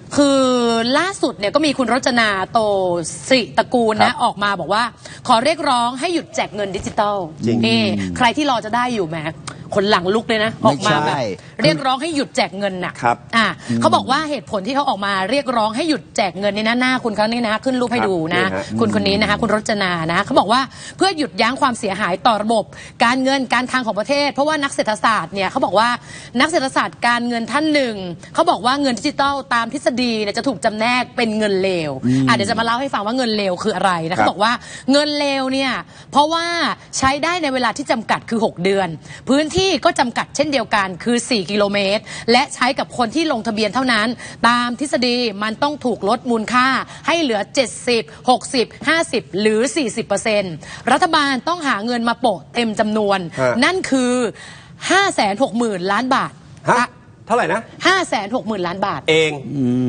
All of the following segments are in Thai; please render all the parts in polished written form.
คือล่าสุดเนี่ยก็มีคุณรจนาโตสิตระกูลนะออกมาบอกว่าขอเรียกร้องให้หยุดแจกเงินดิจิตอลนี่ใครที่รอจะได้อยู่แหมคนหลังลุกเลยนะออกมาแบบเรียกร้องให้หยุดแจกเงินน่ะเขาบอกว่าเหตุผลที่เขาออกมาเรียกร้องให้หยุดแจกเงินในหน้าคุณเขานี่นะขึ้นรูปให้ดูนะคุณคนนี้นะคะคุณรจนานะเขาบอกว่าเพื่อหยุดยั้งความเสียหายต่อระบบการเงินการคลังของประเทศเพราะว่านักเศรษฐศาสตร์เนี่ยเขาบอกว่านักเศรษฐศาสตร์การเงินท่านหนึ่งเขาบอกว่าเงินดิจิตอลตามทฤษฎีเนี่ยจะถูกจำแนกเป็นเงินเลวเดี๋ยวจะมาเล่าให้ฟังว่าเงินเลวคืออะไรนะเขาบอกว่าเงินเลวเนี่ยเพราะว่าใช้ได้ในเวลาที่จำกัดคือ6เดือนพื้นที่ก็จำกัดเช่นเดียวกันคือ4กิโลเมตรและใช้กับคนที่ลงทะเบียนเท่านั้นตามทฤษฎีมันต้องถูกลดมูลค่าให้เหลือ70 60 50หรือ 40%รัฐบาลต้องหาเงินมาโปะเต็มจำนวนนั่นคือ560,000 ล้านบาทเท่าไหร่นะ 560,000 ล้านบาทเอง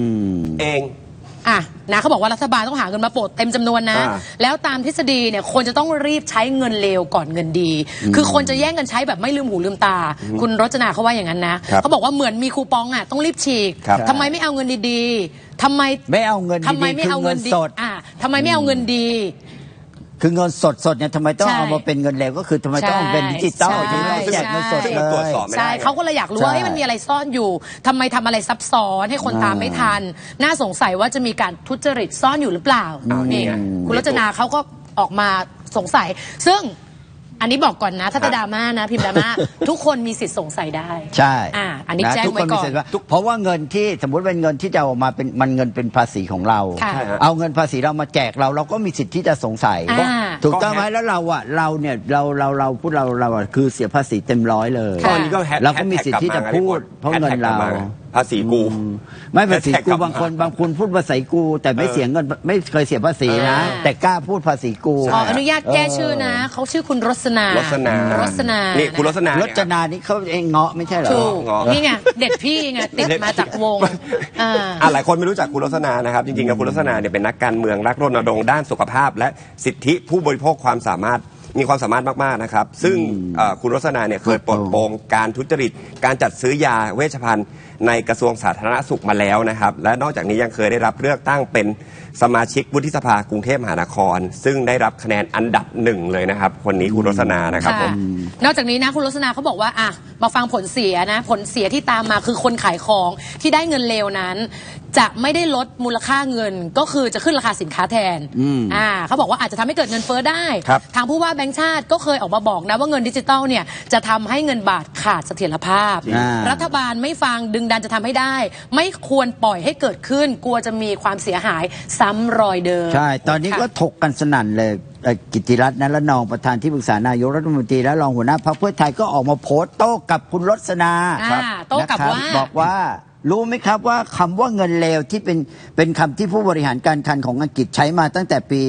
นะเขาบอกว่ารัฐบาลต้องหาเงินมาโปะเต็มจำนวนนะแล้วตามทฤษฎีเนี่ยคนจะต้องรีบใช้เงินเลวก่อนเงินดีคือคนจะแย่งกันใช้แบบไม่ลืมหูลืมตาคุณรจนาเขาว่าอย่างนั้นนะเขาบอกว่าเหมือนมีคูปองต้องรีบฉีกทำไมไม่เอาเงินดีๆทำไมไม่เอาเงินดีทำไมไม่เอาเงินสดทำไมไม่เอาเงินดีคือเงินสดเนี่ยทำไมต้องเอามาเป็นเงินเลวก็คือทำไมต้องเป็นดิจิตอลที่ไม่แจกเงินสดเลยใช่เขาก็เลยอยากรู้ว่ามันมีอะไรซ่อนอยู่ทำไมทำอะไรซับซ้อนให้คนตามไม่ทันน่าสงสัยว่าจะมีการทุจริตซ่อนอยู่หรือเปล่านี่คุณรจนาเขาก็ออกมาสงสัยซึ่งอันนี้บอกก่อนนะถ้าจะดราม่านะพิมพ์ดราม่าทุกคนมีสิทธิ์สงสัยได้ใช่อันนี้แจ้งไว้ก่อนเพราะว่าเงินที่สมมติเป็นเงินที่จะออกมาเป็นมันเงินเป็นภาษีของเราเอาเงินภาษีเรามาแจกเราก็มีสิทธิ์ที่จะสงสัยถูกต้องไหมแล้วเราเนี่ยเราพูดเราคือเสียภาษีเต็มร้อยเลยเราก็มีสิทธิ์ที่จะพูดเพราะเงินเราภาษีกูไม่ภาษีกูบางคนพูดภาษีกูแต่ไม่เสียเงินไม่เคยเสียภาษีนะแต่กล้าพูดภาษีกูอนุญาตแก้ชื่อนะเขาชื่อคุณรสนานี่คุณรสนานี่เขาเองเงาะไม่ใช่เหรอนี่ไงเด็กพี่ไงติดมาจากวงหลายคนไม่รู้จักคุณรสนานะครับจริงๆแล้วคุณรสนาเนี่ยเป็นนักการเมืองรักรณรงค์ด้านสุขภาพและสิทธิผู้บริโภคมีความสามารถมากๆนะครับซึ่งคุณรสนาเนี่ยเคยปลดโปงการทุจริตการจัดซื้อยาเวชภัณฑ์ในกระทรวงสาธารณสุขมาแล้วนะครับและนอกจากนี้ยังเคยได้รับเลือกตั้งเป็นสมาชิกวุฒิสภากรุงเทพมหานครซึ่งได้รับคะแนนอันดับ1เลยนะครับคนนี้คุณรสนานะครับผมนอกจากนี้นะคุณรสนาเขาบอกว่ามาฟังผลเสียนะผลเสียที่ตามมาคือคนขายของที่ได้เงินเลวนั้นจะไม่ได้ลดมูลค่าเงินก็คือจะขึ้นราคาสินค้าแทนเขาบอกว่าอาจจะทำให้เกิดเงินเฟ้อได้ทางผู้ว่าแบงก์ชาติก็เคยออกมาบอกนะว่าเงินดิจิตอลเนี่ยจะทำให้เงินบาทขาดเสถียรภาพรัฐบาลไม่ฟังดึงดันจะทำให้ได้ไม่ควรปล่อยให้เกิดขึ้นกลัวจะมีความเสียหายซ้ำรอยเดิมใช่ตอนนี้ก็ถกกันสนั่นเลยกิติรัตน์ นรนองประธานที่ปรึกษานายกรัฐมนตรีและรองหัวหน้าพรรคเพื่อไทยก็ออกมาโพสต์โต้กับคุณรสนาโต้กับว่าบอกว่ารู้ไหมครับว่าคำว่าเงินเลวที่เป็นคำที่ผู้บริหารการคลังของอังกฤษใช้มาตั้งแต่ปี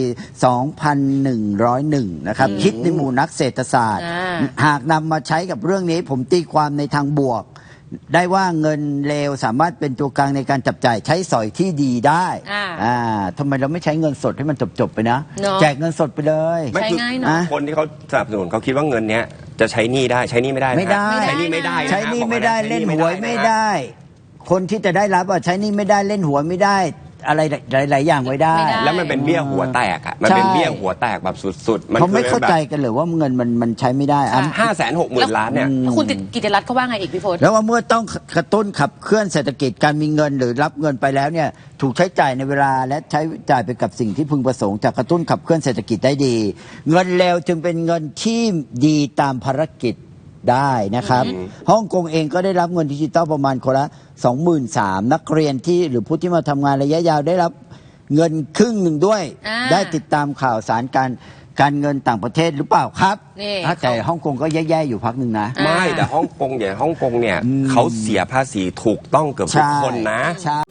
2101 นะครับคิดในหมู่นักเศรษฐศาสตร์หากนำมาใช้กับเรื่องนี้ผมตีความในทางบวกได้ว่าเงินเลวสามารถเป็นตัวกลางในการจับจ่ายใช้สอยที่ดีได้ทำไมเราไม่ใช้เงินสดให้มันจบไปนะแจกเงินสดไปเลยใช้ง่ายเนาะคนที่เขาสนับสนุนเขาคิดว่าเงินเนี้ยจะใช้หนี้ได้ใช้หนี้ไม่ได้ใช้หนี้ไม่ได้ใช้หนี้ไม่ได้เล่นหวยไม่ได้คนที่จะได้รับใช้หนี้ไม่ได้เล่นหวยไม่ได้อะไรหลายอย่างไว้ได้แล้วมันเป็นเบี้ยหัวแตกมันเป็นเบี้ยหัวแตกแบบสุดๆเขาไม่เข้าใจกันเลยว่าเงินมันใช้ไม่ได้ 560,000 ล้านเนี่ยคุณกิติรัตน์เขาว่าไงอีกพี่พจน์แล้วว่าเมื่อต้องกระตุ้นขับเคลื่อนเศรษฐกิจการมีเงินหรือรับเงินไปแล้วเนี่ยถูกใช้จ่ายในเวลาและใช้จ่ายไปกับสิ่งที่พึงประสงค์จะกระตุ้นขับเคลื่อนเศรษฐกิจได้ดีเงินเลวจึงเป็นเงินที่ดีตามภารกิจได้นะครับฮ่องกงเองก็ได้รับเงินดิจิตอลประมาณคนละ 23,000 นักเรียนที่หรือผู้ที่มาทำงานระยะยาวได้รับเงินครึ่งหนึ่งด้วยได้ติดตามข่าวสารการเงินต่างประเทศหรือเปล่าครับแต่ฮ่องกงก็แย่ๆอยู่พักหนึ่งนะไม่แต่ฮ่องกงเนี่ยเขาเสียภาษีถูกต้องเกือบทุกคนนะ